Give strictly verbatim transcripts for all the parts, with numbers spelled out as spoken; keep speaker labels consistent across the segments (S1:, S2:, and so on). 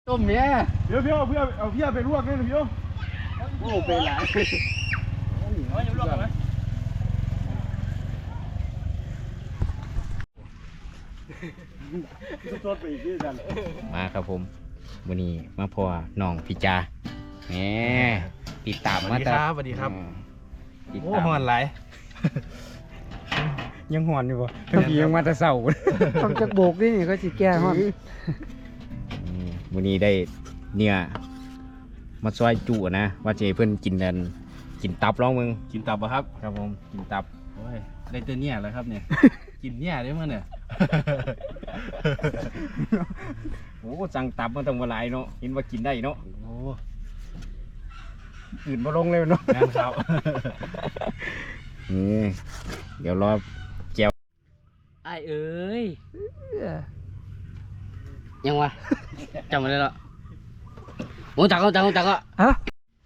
S1: ต้มเนี่ย
S2: เดี๋ยวพี่เอาเพื่อเอาพี่ไปลวกนี่พี่โอ้ไปหลายเอาอยู่ลวกไหม
S1: มาครับผมวันนี้มาพอน้องพี่จาแหมติดตามมาแต่
S2: สวัสดีครับ
S1: ติด
S2: โอ้
S1: ตาม
S2: หอนไหล
S1: ยังหอนอยู่ปะเมื่อกี้ยังมาแต่เสา
S3: ต้องจักโบกนี่ก็สิแก้ฮอน
S1: วันนี้ได้เนี่ยมาซอยจุนะว่าเจเพื่อนกินกันกินตับร้องมึง
S2: กินตับปะครับ
S1: ครับผมกินตับ
S2: โอ้ยได้ตัวเนี่ยแล้วครับเนี่ย กินเนี่ยได้มั้งเนี่ย
S1: โอ้สั่งตับมาตั้งเมื่อไรเนาะเห็นว่ากินได้เนาะ
S2: โอ้
S1: อื่นมาลงเลยเนาะ
S2: งานครับ
S1: นี่เดี๋ยวรอแจว
S4: ไอ้เอ้ยยังวะจำมาได้แล้วโอ้ตักก็ตักก็ตักก็
S3: ฮะ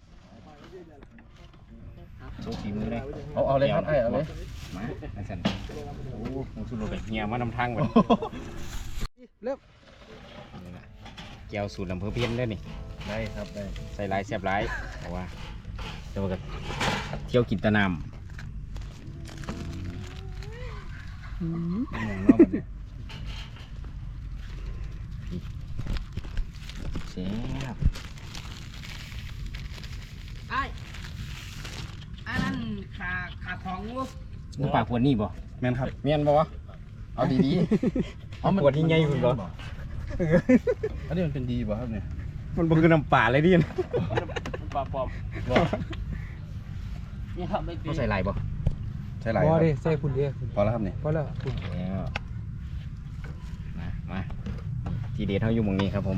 S1: โชว์ฝีมือเลย
S2: เอาเอาเลยครับไอ้เอาเลย
S1: มาไอ้สันโอ้มึงสุดเลยเฮียมานำทางไป
S3: เริ่ม
S1: นี่นะแก้วสูตรลำเภอเพี้ยนได้นี่
S2: ได้ครับได้
S1: ใส่ลายแซ่บลายเอาว่าเดี๋ยวก็เที่ยวกินแตะน
S3: อืม
S2: อย่างนอกแบบนี้
S1: ำแซ่บ
S4: ไอ้ไอ้นั่นขาขาของงู
S1: มึงปากขวดนี่บ่
S2: แม่นครับ
S1: เมียนบ่วะเอาดีๆเอาขวดที่ใหญ่คุณบ่
S2: อันนี้มันเป็นดีป่ะครับเนี่ย
S1: มันบ่คือน้ำป่าเลยดิ
S2: ปลาปลอม
S4: นี่ครับไม่ปี
S1: เขาใส่ลายบ่
S2: ใช่ไร
S3: พ
S2: ค
S3: อ
S2: รับ
S3: ดิใส่คุณเดียว
S2: พอแล้วครับเนี่ย
S3: พอแล้วคุณ
S1: แล้วมามาทีเด็ดเขาอยู่หมองนี้ครับผม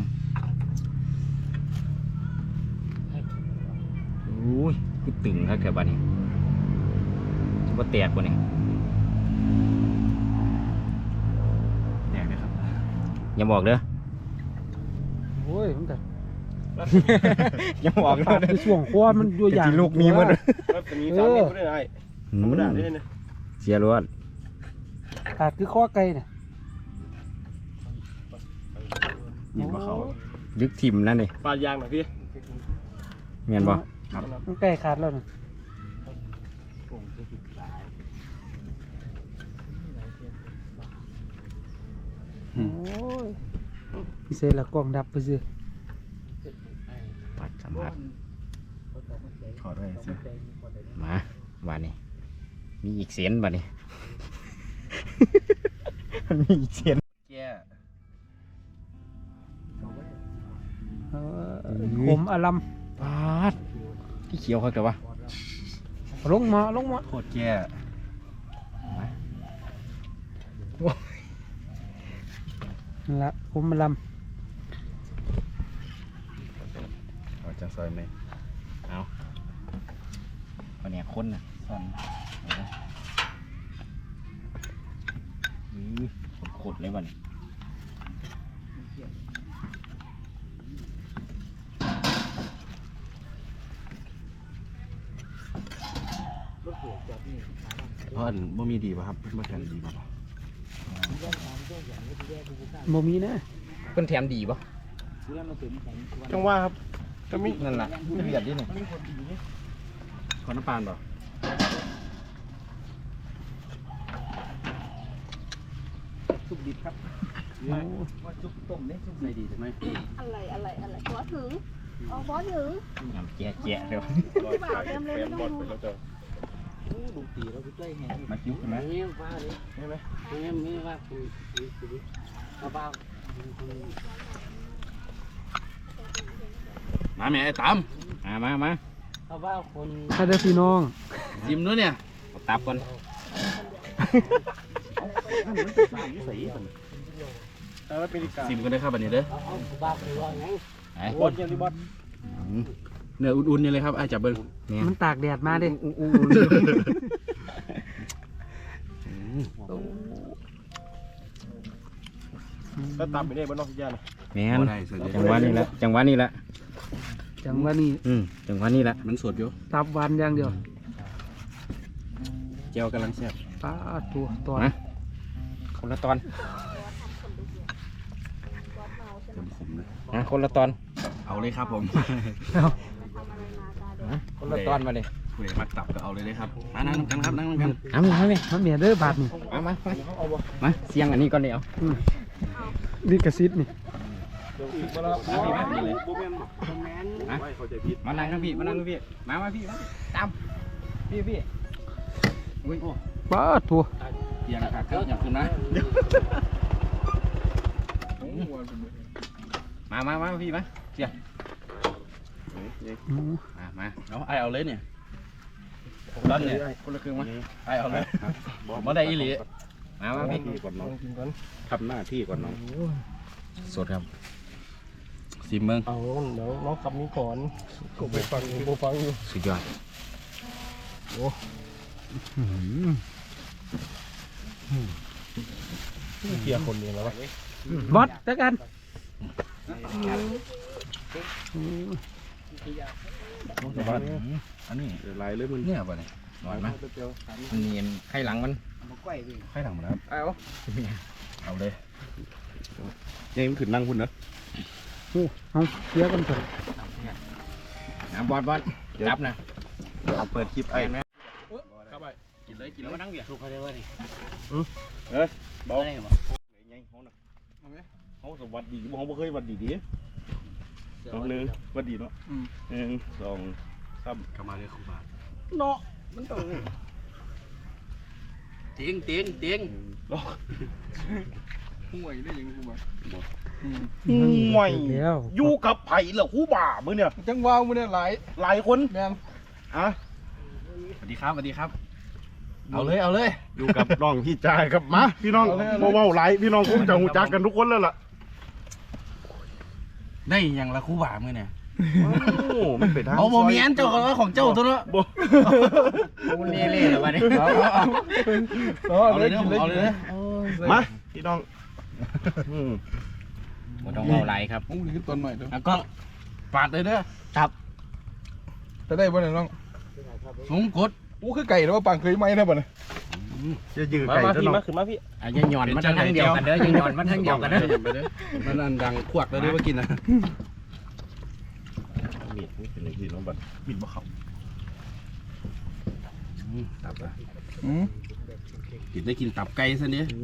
S1: อุ้ยคือตึงครับแกบ้านนี้จะว่าแตกบ่เนี่ย
S2: แดกเลยครับ
S1: อย่าบอกเด้อ
S3: โอ้ยมันกัน
S1: อย่าบอกเด้
S3: ปา
S1: อก
S3: คือช่วงคอมันอยู่อย่าง
S1: ลูกนี้มัน
S2: ครับจะมีสามเม็ดก็ได้ไอ้ธรรมดาได้เนี่ย
S1: เสียรวด
S3: ปากคือข้อไก่น่ะ
S2: ยิงมาเขา
S1: ลึกทิมนั่นนี่
S2: ปลายางหน่อยพี่
S1: เมียนบ่
S3: มันใกล้ขาดแล้วน่ะโอ้ยพิเศษละกล้องดับไปสิ
S1: ปัดสัมผัส
S2: ขอด้วยสิ
S1: มาบ้านนี้มีอีกเสียนบ้านนี้ มันมีอีกเสียน
S2: แก่
S3: เออขมอลัม
S1: ปาดที่เขียวเขาแต่ว่า
S3: ลงมาลงมา
S2: โคตรแก่
S3: นั่นละขมอลัม
S2: เอาจังซอยไหม
S1: เอาคนเนี่ยคนน่ะซ่อนอือขดๆเลยบ้านนี้
S2: เพราะอันบ่มีดีป่ะครับมาแทนดีป่ะ
S3: โมมีนะ
S1: เพิ่นแถมดีป่ะ
S2: จังว่าครับก็มี
S1: นั่นแหละไม่เบียดดิเนี่ย
S2: ขอน้ำปานป่ะ
S3: สุกดิบครับ
S4: ว่าจุกต้มเนี่ยจุก
S2: ใส่ดีใช่ไหม
S5: อะไรอะไรอะไรบอถึงเอาบอถึง
S1: น้ำแจ๊ะแจ๊ะเดี๋ยว
S5: ที่บ่าวเต็มเลยไม่ต้องดู
S4: ดูตีแล้วก็ใกล้แห้ง
S2: มาจิ้วใช่ไหม
S4: นี่ฟ้าเลย
S2: ใช่ไหม
S4: นี่ไม่ว่าคุณเอาเปล่า
S2: มาแม่ไอ้ตาม
S1: มามามา
S4: เอาเปล่าคน
S3: ถ้าได้พี่น้อง
S2: ยิ้มด้วยเนี่ย
S1: เอาตับก่อน
S2: ซิมกันได้ครับอันนี้เด้อ
S4: เอาเปล่าคือว่าไง
S1: ไป
S2: บอลยังดีบอลเนื้ออุ่นๆนี่เลยครับไอ้จับเบิ้ง
S1: เนี่ย
S3: มันตากแดดมาดิ
S2: ก็ตามไปได้บ้านนอกพิจารณา
S1: แม่นจังหวะนี้ละจังหวะนี้ละ
S3: จังว่านี่
S1: อืมจังหวะนี้ละ
S2: มันสดอยู่
S3: ตับหวานอย่างเดียว
S2: เจลกำลังแซ่บ
S3: ป้าตัวตัว
S1: มาคนละตอน
S2: เต็มขมเลย
S1: นะคนละตอน
S2: เอาเลยครับผม
S1: นะคนละตอนมาเลย
S2: เวมักตับก็เอาเลยเลยครับมานั่งกันครับนั่งกัน
S1: เอามาเอามา
S3: มันเมียเด้อบาทนี่
S1: มามามามาเสียงอันนี้ก่อนเดี๋ยว
S3: ลิขสิทธิ์นี่
S1: มานั่งทั้งพี่มานั่งทั้งพี่มามาพี่มาตามพี่พี่อุ้ย
S3: ป้าทัว
S1: เสียงขาดครับอย่างคุณนะมามามาพี่มาเสียมามา
S2: เอาไอเอาเลยเนี่ย
S1: ด้านเนี่ยคนละครึ่งมา
S2: ไอเอาเลยบอกมาได้อีหลี
S1: มามาพี่
S2: ก่อนน้องทำหน้าที่ก่อนน้อง
S1: สดครับ
S2: สิเมือง
S3: เอาเดี๋ยวน้องขับนี้ก่อนก็ไปฟังกูฟังอยู่
S1: สุดยอด
S3: เกียร์คนเดียวแล้ววะบอสเจอกัน
S2: อันนี้ลายเลยมันเนี่ยป่ะเนี่ย
S1: หน่อยมั้ยมันเนียนไข่หลังมัน
S2: ใครถังมาครับ
S1: เอา
S2: เอาเลยยังมันขึ้นนั่งคุณเนอะ
S3: เอาเกียร์กันเถอะ
S1: น้ำบอลบอลจับนะ
S2: เอาเปิดคลิปไอ้
S1: เข้าไปกินเลยกินแล้วมานั่งเบียร์
S4: ถูกเขาได้ว่าดิ
S2: เอ้ยเบา
S4: ได้บ่
S2: เขาน่ะเขาสวัสดีเขาบ่เคยวัดดีดีน้องหนึ่งวัดดีเนาะหนึ่งสองสามกลับมาเลยครูบาเนาะมันต้อง
S4: เตียงเตียงเตียง
S2: ห่วยได้ยังครูบา
S3: ห่วยแล้ว
S2: อยู่กับไผ่เหรอครูบามือเนี่ย
S3: จังว้าวมือเนี่ยหลาย
S2: หลายคน
S3: แม่ง
S2: อ่ะสวัสดีครับสวัสดีครับ เอาเลยเอาเลยอยู่กับน้องพี่จายครับมาพี่น้องบ่เว้าหลายพี่น้องคงจะหูจักกันทุกคนแล้วล่ะได้ยังละครูบามือเนี่ยโอ้มันเป็นทาง
S4: เอาโมเมียนเจ้าของเจ้าตัวเนาะ
S2: บ่
S1: มันเล่เล่เลยวันนี้
S2: เอาเลยเอาเลยมาพี่น้องอืม
S1: มันต้องเอาไหลครับ
S3: มึงนี่คือต้นใหม่เด้อ
S4: แล้วก็
S2: ปาดเลยเด้อ
S3: จะได้บ่เนี่ยน้อง
S4: สงกด
S3: อู้คือไก่แล้วว่าปังเคยไหมนะบ่เนี่ย
S2: จะยืดไก่ซะน้อง
S1: อ่ะยังหย่อนมันทั้งเดียวกันเด้อยังหย่อนมันทั้งเดียวกันเด้อ
S2: มันอันดังขวกเลยด้วยว่ากินนะมีดนี่เป็นอะไรที่น้องบัดมีดบ่เข้าตับอ่ะ
S3: อืม
S2: กินได้กินตับไก่ซะเนี่ย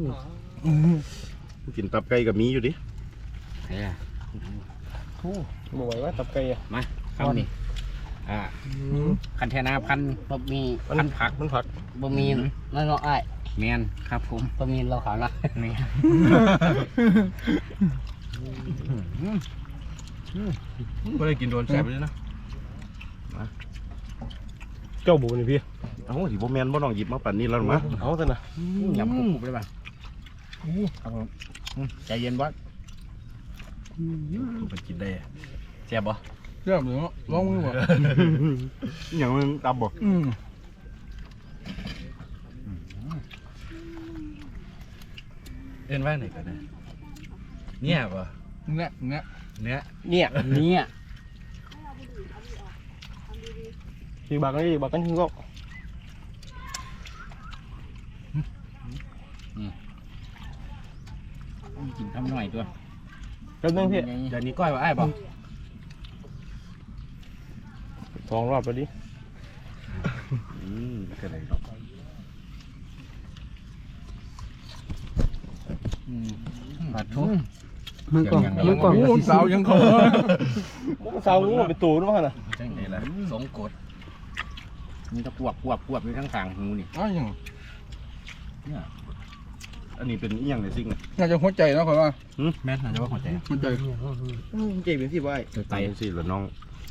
S2: กินตับไก่กับมีอยู่ดิ
S1: เฮ้ย
S3: บ่ไหวว่าตับไก่อ่ะ
S1: มาคำนี้อ่าคันเทนาพัน
S4: บะหมี่
S1: พันผัก
S3: มันผัก
S4: บะหมี่นั่นเนาะไอ้
S1: แมนครับผม
S4: บะหมี่เราขาวนะ
S1: แมน
S2: ก็ได้กินโดนแสบเลยนะ
S3: เจ้าบูนี่พี่
S2: เอ้าสิบ่แม่นบ่น้องหยิบมาปั่นนี่แล้วมั้ง
S3: เอาซะนะ
S1: ยำคุกๆเลยป่ะครับผมใจเย็นบอส
S2: มันกินได้แซ่บบ่
S3: เริ่มเลยเนาะลองมือบ่
S2: อย่างมึงตับบ่
S3: อืม
S2: เอ็นว่าไหนกันนะเนี่ยบ่
S3: เนี่ยเนี่ย
S2: เนี่ย
S4: เนี่ยเนี่ย
S3: อีกบากนี่อีกบากกันทิ้งก็
S1: กินทำหน่อยตัว
S3: แป๊บนึงพี่
S2: เดี๋ยวนี้ก้อยว่าไอ้บ่
S3: สองรอบไปดิ
S2: อืมก็ได้ดอก
S1: ผัดทุก
S3: มือกล่องมือกล่อง
S2: สาวยังเขา
S3: สาวงูเป็นตูนว่าน่ะ
S2: จังได๋ล่ะสงกด
S1: มันจะปวบปวบปวบอยู่ทั้งทางหูนี่
S3: อ้าวยัง
S2: อันนี้เป็นอีหยังในสิ่งน่ะ
S3: น่าจะหัวใจเนาะข่อยว่า
S2: แม่นน่าจะว่าหัวใจ
S3: หัวใจ
S2: เก่งเป็นสิบ่ไอ้
S1: ไต
S2: ไตสิล่ะน้อง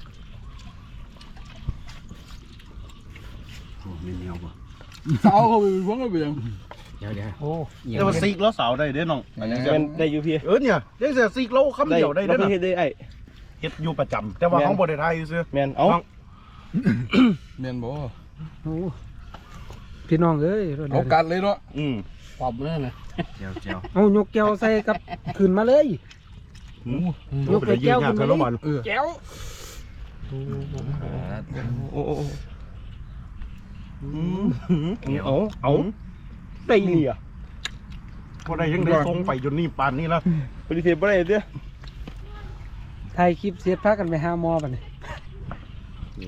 S2: โอ้มีแนวบ่
S3: สาวเขาเป็นพวกอะไรยัง
S1: เดี๋ยวเดี๋ยว
S3: โอ้
S2: แต่ว่าซีกแล้วสาวได้เด้น้อง
S3: เป็นได้อยู่พี่
S2: เออเนี่ยได้แต่ซีกแล้วคำเดียวได้เด้อ
S3: เฮ็ดได้ไอ้
S2: เฮ็ดอยู่ประจำแต่ว่าของบ่ได้ทายซื่อ
S3: แมนเอาแมนบ่พี่น้องเอ้ยเอากันเลยเนาะ
S2: อืม
S4: ปอบเลยนะ
S2: เจียวเจียว
S3: เอายกแก้วใส่กับขึ้นมาเลย
S2: หืมยกแก้วขึ้นมาแล้วมัน
S3: แก้วโอ้โอ้เอาเอาได้เลยอ่ะ
S2: บ่ได้ยังได้ส่งไปจนนี่ปานนี้แล้ว
S3: ปฏิเสธบ่ได้เด้อถ่ายคลิปเสียพากันไปหาหมอบัดนี้
S2: นี่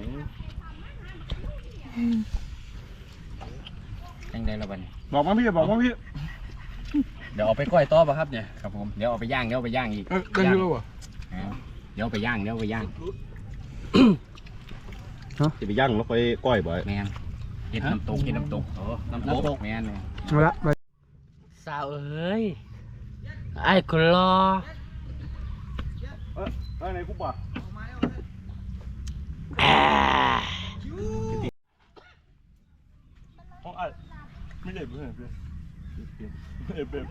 S1: ยังไงละบัดน
S2: บอกมาพี่บอกมาพี่
S1: เดี๋ยวเอาไปก้อยต่อป่ะครับเนี่ยครับผมเดี๋ยวเอาไปย่างเดี๋ยวเอาไปย่างอีก
S2: ได้ยินแล้ววะ
S1: อ่าเดี๋ยวเอาไปย่างเดี๋ยวเอาไปย่าง
S2: จะไปย่างแล้วไปก้อยบ่อย
S1: แมนเห็ดน้ำตกเห็ดน้ำตกโอ้น้ำตกแมนเลย
S3: เอาละมา
S4: สาวเอ้ยไอ้คนรอ
S2: เอ้ยเอ้ยไหนกูบ่ะ
S4: อ่า
S2: ห้องไอ้ไม่ได้เพื่อนเพื่อนเพื่อนเพื่อน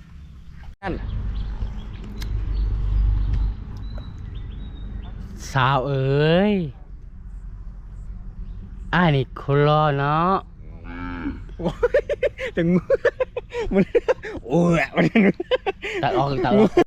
S4: สาวเอ้ยไอ้นี่คนรอเนาะ
S1: ถึงมันโอ้ยมัน
S4: ตัดออกตัดออก